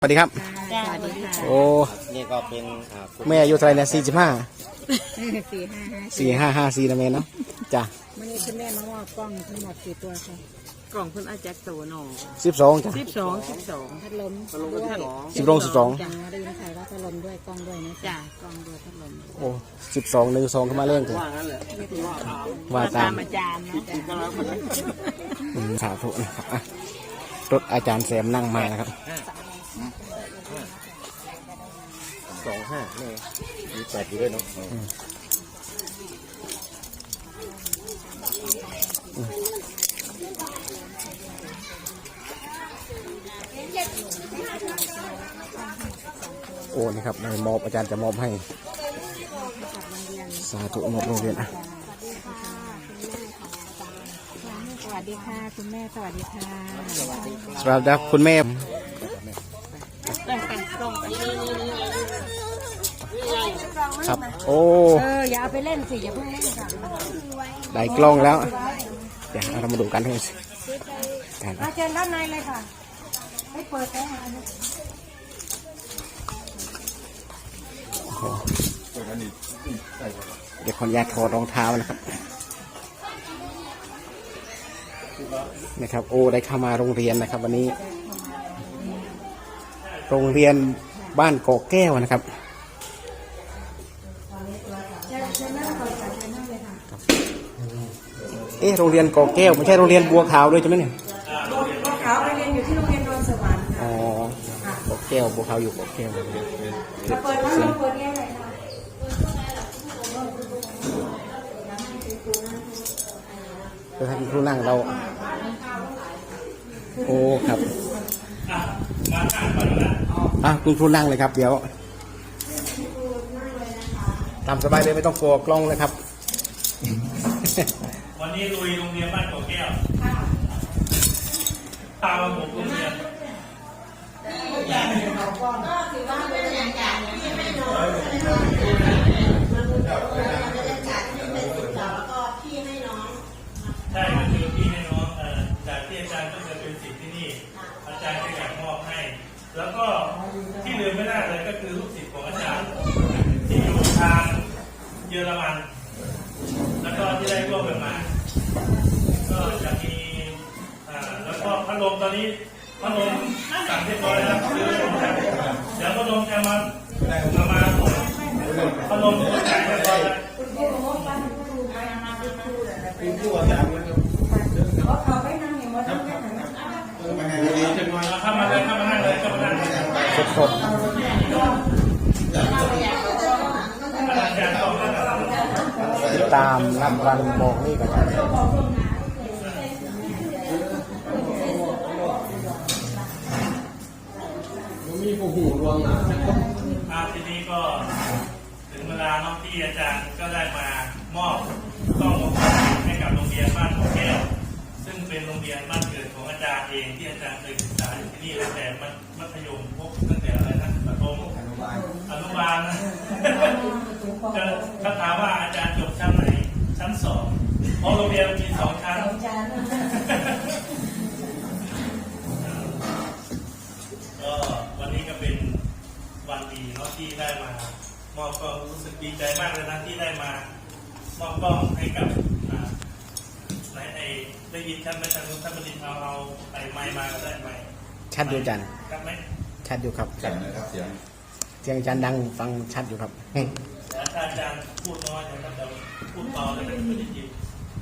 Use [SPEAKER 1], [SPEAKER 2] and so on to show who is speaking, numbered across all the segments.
[SPEAKER 1] สวัสดีครับโอ้
[SPEAKER 2] นี่ก็เป็น
[SPEAKER 1] แม่อายุเท่าไหร่เนี่ย45 455 4นะแม่เนาะจ้ะ
[SPEAKER 3] วันนี้คุณแม่มามอบกล้องทั้งหมดกี่ตัวคะ
[SPEAKER 4] กล่องคุณอาแจ็คโตหนอ
[SPEAKER 1] 12จ้ะ
[SPEAKER 3] พัดลม
[SPEAKER 1] 12
[SPEAKER 3] จังได้ยินใครว่าพัดลมด้วยกล้องด้วยนะ
[SPEAKER 4] จ้ะกล่องด้วยพัดลม
[SPEAKER 1] โอ้12 1 2เข้ามาเล่นกันว่าตาม
[SPEAKER 4] อาจารย์นะ
[SPEAKER 1] สาธุนะครับรถอาจารย์แซมนั่งมานะครับ
[SPEAKER 2] 25นี่มี8อยู่ด้วยเนาะ
[SPEAKER 1] โอ้นี่ครับในมอบอาจารย์จะมอบให้สาธุมอบโรงเรียนอ่ะ
[SPEAKER 3] สวัสดีค่ะคุณแม่สวัสดีค่ะ
[SPEAKER 1] สวัสดีคุณแม่ครับโอ้
[SPEAKER 3] อย่าเอาไปเล่นสิอย่าเพิ่งเล่นค่ะ
[SPEAKER 1] ได้กล้องแล้วเดี๋ยวเรามาดูกันให้
[SPEAKER 3] เชิญด้านในเลยค่ะให้เปิดได้ไหม
[SPEAKER 1] เดี๋ยวขออนุญาตถอดรองเท้านะครับโอ้ได้เข้ามาโรงเรียนนะครับวันนี้โรงเรียนบ้านกอกแก้วนะครับโรงเรียนกอกแก้วไม่ใช่โรงเรียนบัวขาวด้วยใช่ไหมเนี่ย
[SPEAKER 3] บัวขาวไปเรียนอยู่ที่โรงเรียนดอนสวรรค์
[SPEAKER 1] อ๋อกอกแก้วบัวขาวอยู่กอกแก้ว
[SPEAKER 3] เปิดแล้วเปิดแก้วเลยค่ะ
[SPEAKER 1] ท่านครูนั่งเราโอ้ครับคุณครูนั่งเลยครับเดี๋ยวตามสบายเลยไม่ต้องกลัวกล้องเลยครับ
[SPEAKER 5] วันนี้ลุยโรงเรียนบ้านกอกแก้วตามผมโรงเรียนก็ถือว่าเป็นบรรยากาศที่ไม่น้อยใช่ก็คือพี่ให้น้องจากที่อาจารย์ก็จะเป็นสิทธิ์ที่นี่อาจารย์ก็อยากมอบให้แล้วก็ที่ลืมไม่ได้เลยก็คือลูกศิษย์ของอาจารย์ที่อยู่ทางเยอรมันแล้วก็ที่ได้ร่วมกันมาก็จะมีแล้วก็พัดลมตอนนี้พัดลมสั่งเรียบร้อยแล้วเดี๋ยวพัดลมจะมาพัดลมตัวใหญ่เรียบร้อยแล้วเข้ามาเลยเข้ามานั่งเลยเข้ามานั่ง
[SPEAKER 1] สดตามรำรันบอกนี่กัน
[SPEAKER 5] มีผู้หูรวงนะทีนี้ก็ถึงเวลาน้องที่อาจารย์ก็ได้มามอบกล้องวงจรปิดให้กับโรงเรียนบ้านกอกแก้วซึ่งเป็นโรงเรียนบ้านเกิดของอาจารย์เองที่อาจารย์เคยศึกษาอยู่ที่นี่ตั้งแต่มัธยมพบตั้งแต่อะไรนะประถมอนุบาลนะถ้าถามว่าอาจารย์จบชั้นไหนชั้น2เพราะโรงเรียนมี2ชั้นก็วันนี้ก็เป็นวันดีเนาะที่ได้มามอบกล้องรู้สึกดีใจมากเลยนะที่ได้มามอบกล้องให้กับได้ยินท่านไหมท่านบดินเอาไม้มาก็ได้ไหม
[SPEAKER 1] ชัดอยู่จัน
[SPEAKER 5] ครับไหม
[SPEAKER 1] ชัดอยู่ครับ
[SPEAKER 2] ชัดนะครับเ
[SPEAKER 1] สียงอาจารย์ดังฟังชัดอยู่ครับ
[SPEAKER 5] แล้วถ้าอาจารย์พูดน้อยนะครับเดี๋ยวพูดต่อเลยไม่ได้ยิน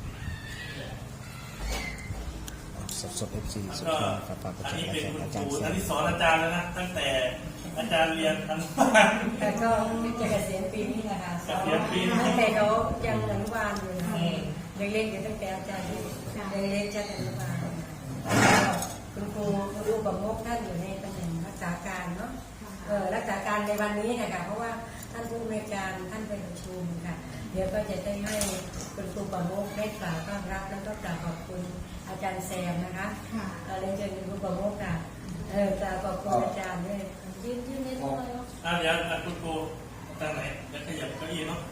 [SPEAKER 1] สดFC สุดยอดครับ
[SPEAKER 5] อันนี้เป็นคุณครูท่านที่สอนอาจารย์แล้วนะตั้งแต่อาจารย์เรียนอนุบาล
[SPEAKER 3] แต่ก็จะเกษียณปีนี้นะคะ
[SPEAKER 5] เกษียณปีนี้
[SPEAKER 3] ตั้งแต่เขายังอนุบาลอยู่ยังเล่นอยู่ตั้งแต่อาจารย์ยังเล่นชั้นอนุบาลคุณครูรูปประมุขท่านอยู่ในตำแหน่งรักษาการเนาะรักษาการในวันนี้ค่ะเพราะว่าท่านผู้อำนวยการท่านไปประชุมค่ะเดี๋ยวก็จะได้ให้คุณครูประมุขได้กล่าวต้อนรับแล้วก็กล่าวขอบคุณอาจารย์แซมนะคะเรียนเชิญคุณครูประมุขค่ะกล่าวขอบคุณอาจารย์ด้วยยืนนิดหน่อย
[SPEAKER 5] เดี๋ยวคุณครูทางไหนจะขยับเก้าอี้เนาะ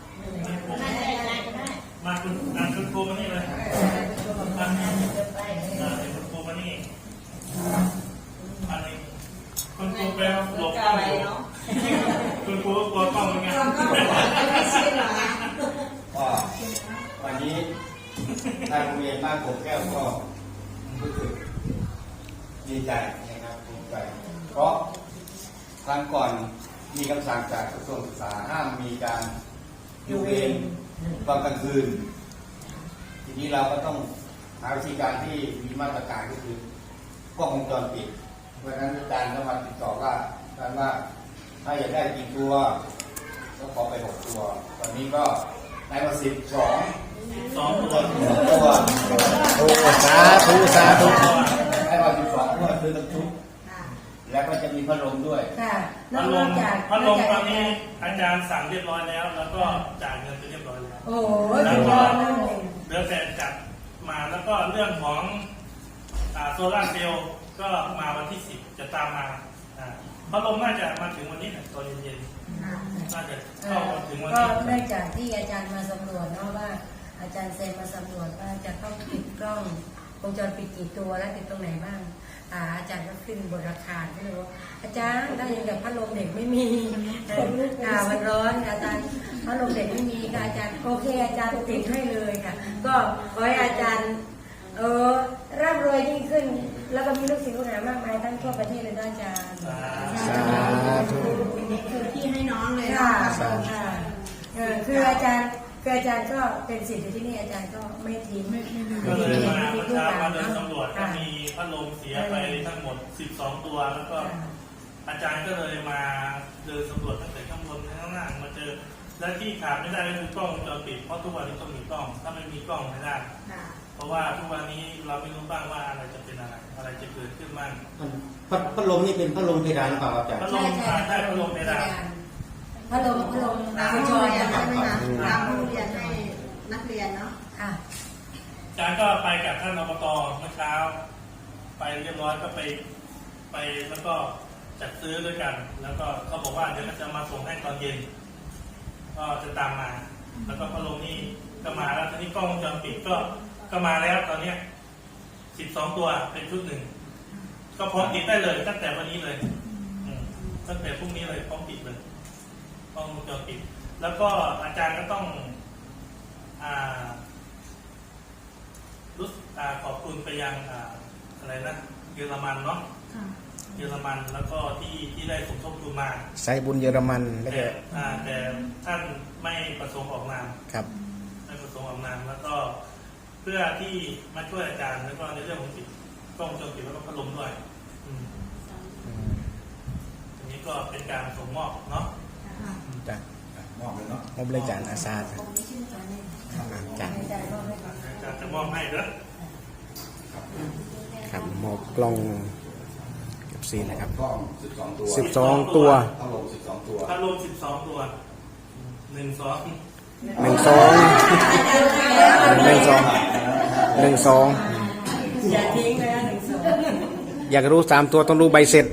[SPEAKER 5] มาคุณครูมานี่เลยคุณครูมานี่อันนี้คุณครูเป็นหลบกล้องอยู่คุณครูก็กลัวกล้องเหมือนกัน
[SPEAKER 2] ก็วันนี้ทางโรงเรียนบ้านกบแก้วก็รู้สึกดีใจนะครับภูมิใจเพราะครั้งก่อนมีคำสั่งจากกระทรวงศึกษาห้ามมีการอยู่เวรตอนกลางคืน ทีนี้เราก็ต้องหาวิธีการที่มีมาตรการก็คือกล้องวงจรปิดเพราะฉะนั้นอาจารย์ก็มาติดต่อว่าการว่าถ้าอยากได้กี่ตัวก็ขอไป6 ตัวตอนนี้ก็ได้มา12
[SPEAKER 5] 2 ตัว
[SPEAKER 2] ตัว
[SPEAKER 1] โอ้สาธุสาธุ
[SPEAKER 2] ได้มา12 ตัวซื้อทั้งชุดแล้วก็จะมีพัดลมด้วย
[SPEAKER 3] ค่ะน
[SPEAKER 5] พั
[SPEAKER 3] อ
[SPEAKER 5] ดล
[SPEAKER 3] ก
[SPEAKER 5] ม
[SPEAKER 3] จาก
[SPEAKER 5] พัดลมตอนนี้อาจารย์สั่งเรียบร้อยแล้ว แล้วก็จ่ายเงินไปเรียบร้อยแล้ว
[SPEAKER 3] โอ้โหสุดยอดมากเลย
[SPEAKER 5] เดี๋ยวแต่จัดมาแล้วก็เรื่องของโซลาร์เซลล์ก็มาวันที่ 10 จะตามมาพัดลมน่าจะมาถึงวันนี้ตอนเย็นๆน่าจะเข้ามาถึงวัน
[SPEAKER 3] ก็
[SPEAKER 5] นี้
[SPEAKER 3] เนื่องจากที่อาจารย์มาสำรวจเนาะว่า อาจารย์เซมมาสำรวจว่าจะต้องติดกล้องวงจรปิดกี่ตัวและติดตรงไหนบ้างอาจารย์ก็ขึ้นบนราคาก็เลยว่าอาจารย์ได้ยังกับพัดลมเด็กไม่มีมันร้อนอาจารย์พัดลมเด็กไม่มีค่ะอาจารย์โอเคอาจารย์ติดให้เลยค่ะ ก็ขอให้อาจารย์ร่ำรวยยิ่งขึ้น แล้วก็มีลูกศิษย์ลูกหามากมายทั้งทั่วประเทศเลยนะอาจารย์
[SPEAKER 1] สาธุ
[SPEAKER 6] คือที่ให้น้องเลย
[SPEAKER 3] ค่ะ
[SPEAKER 6] นะ
[SPEAKER 3] ค่ะคืออาจารย์ก็เป็นศิษย์อยู่ที่นี่อาจารย์ก็ไม่ทิ้งไม่
[SPEAKER 5] ก็เลย
[SPEAKER 3] ทิ้ง
[SPEAKER 5] มา
[SPEAKER 3] ไม่
[SPEAKER 5] เมื่
[SPEAKER 3] ทิ้
[SPEAKER 5] อง
[SPEAKER 3] ลู
[SPEAKER 5] เช้าก
[SPEAKER 3] หลา
[SPEAKER 5] มาน เดิน
[SPEAKER 3] เนาะ
[SPEAKER 5] สำรวจก็มีพัดลมเสียไปทั้งหมด 12 ตัวแล้วก็อาจารย์ก็เลยมาเดินสำรวจตั้งแต่ข้างบนข้างล่างมาเจอและที่ขาดไม่ได้ก็คือกล้องวงจรปิดเพราะทุกวันนี้ต้องมีกล้องถ้าไม่มีกล้องไม่ได้ เพราะว่าทุกวันนี้เราไม่รู้บ้างว่าอะไรจะเป็นอะไรจะเกิดขึ้นบ้าง
[SPEAKER 2] พัดลมนี่เป็นพัดลมเพดานหรือเปล่าครับอาจารย์
[SPEAKER 5] พัดลมได้พัดลมไม่ได้
[SPEAKER 3] พัดลม
[SPEAKER 6] ตาม
[SPEAKER 3] คุณ
[SPEAKER 6] โร
[SPEAKER 3] จ
[SPEAKER 6] ง
[SPEAKER 3] อย
[SPEAKER 6] เรียน
[SPEAKER 3] นะ
[SPEAKER 6] ใช่ไหมคะตามโรงเรียนให้นักเรียนเนาะ
[SPEAKER 3] ค่ะ
[SPEAKER 5] อาจารย์ก็ไปกับท่านอบตเมื่อเช้า ไปเรียบร้อยก็ไปแล้วก็จัดซื้อด้วยกัน แล้วก็เขาบอกว่าเดี๋ยวมันจะมาส่งให้ตอนเย็น ก็จะตามมา แล้วก็พัดลมนี่ก็มาแล้วทีนี้กล้องวงจรปิดก็มาแล้วตอนเนี้ย12 ตัวเป็นชุดหนึ่งก็พร้อมติดได้เลยตั้งแต่วันนี้เลยตั้งแต่พรุ่งนี้เลยพร้อมติดเลยกล้องวงจรปิด แล้วก็อาจารย์ก็ต้องขอบคุณไปยังอะไรนะเยอรมันเนาะเยอรมันแล้วก็ที่ได้สมทบทุนมา
[SPEAKER 1] ใส่บุญเยอรมันแล้วก็
[SPEAKER 5] แต่ท่านไม่ประสงค์ออกนาม
[SPEAKER 1] ครับ
[SPEAKER 5] ไม่ประสงค์ออกนามแล้วก็เพื่อที่มาช่วยอาจารย์แล้วก็ในเรื่องของติดกล้องวงจรปิดแล้วก็พัดลมด้วยอันนี้ก็เป็นการส่งมอบเนาะ
[SPEAKER 1] จ้ะ
[SPEAKER 2] มอบเลยเนาะ
[SPEAKER 1] มอบเลยจานอาซาจ้ะจาน
[SPEAKER 3] อาจารย์ก็ให้ก่อน
[SPEAKER 5] อาจารย์จะมอบให้เด้อ
[SPEAKER 1] ครับมอบกล้องกับซีนะครับ
[SPEAKER 2] กล้อง12 ตัว
[SPEAKER 1] 12 ตัว
[SPEAKER 2] พัดลม12 ตัว
[SPEAKER 5] พัดลม12 ตัว1 2
[SPEAKER 1] 1 2
[SPEAKER 3] อย่าทิ้งเลยนะ1 2
[SPEAKER 1] อยากรู้3 ตัวต้องดูใบเสร็จ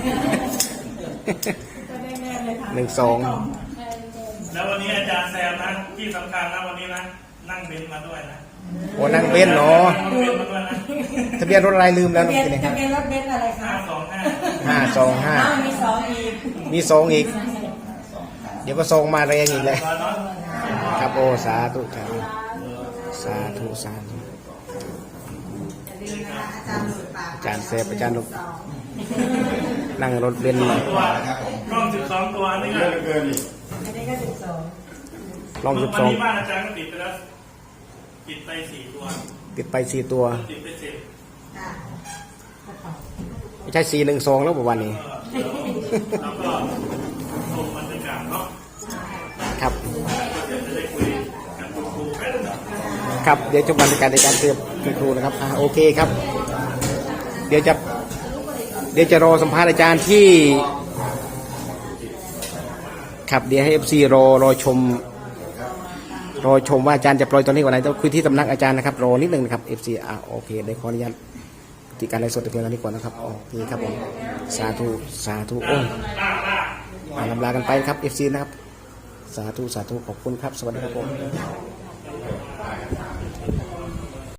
[SPEAKER 1] 1 2
[SPEAKER 5] แล้ววันนี้อาจารย์แซมนะที่สำคัญนะวันนี้นะนั่งเบนซ์มาด้วยนะ
[SPEAKER 1] โอ้นั่งเบนซ์เนาะ
[SPEAKER 5] นั่งเบนซ์มาด้วยนะ
[SPEAKER 1] ทะเบียนรถอะไรลืมแล้ว
[SPEAKER 3] ทะ
[SPEAKER 1] น้อง
[SPEAKER 3] เบียน
[SPEAKER 1] กินนะครับ
[SPEAKER 3] รถเบนซ์อะไรคะ
[SPEAKER 5] 525
[SPEAKER 3] มี2อีก
[SPEAKER 1] มี2อีก เดี๋ยวก็ส่งมาแรงอีกเลย ครับโอ้สาธุสาธุสาธุสาธุ
[SPEAKER 6] อย่าลืมนะคะอาจารย์หลุดปาก
[SPEAKER 1] อาจารย์เซฟอาจารย์ลูก นั่งรถเบนซ์
[SPEAKER 5] ตัวกล้อง12 ตัวนี่
[SPEAKER 2] เย
[SPEAKER 5] ก็
[SPEAKER 2] อะเหลือเกินนี่
[SPEAKER 3] อันนี้ก็12
[SPEAKER 1] ลอง
[SPEAKER 5] วันนี้บ้าน
[SPEAKER 1] 12
[SPEAKER 5] อาจารย์ก็ติดไปแล้วติดไป4 ตัว
[SPEAKER 1] ติดไป4 ตัว
[SPEAKER 5] ติดไป10
[SPEAKER 6] ค่ะ
[SPEAKER 1] ไม่ใช่412แล้วประวันนี้
[SPEAKER 5] แล้วก็ส่งบรรยากาศเนาะ
[SPEAKER 1] ครับ
[SPEAKER 5] เดี๋ยวจะได้คุยกับคุณครูกัน
[SPEAKER 1] ครับเดี๋ยวชมบรรยากาศในการเตรียมคุณครูนะครับโอเคครับ เดี๋ยวจะรอสัมภาษณ์อาจารย์ที่ครับเดี๋ยวให้ FC รอชมว่าอาจารย์จะปล่อยตอนนี้วันไหนต้องคุยที่สำนักอาจารย์นะครับรอนิดนึงนะครับ FC โอเคได้ขออนุญาตที่การไลฟ์สดเพียงเท่านี้ก่อนนะครับโอเคครับผมสาธุสาธุโอ้ลำลากันไปครับ FC นะครับสาธุสาธุขอบคุณครับสวัสดีครับผม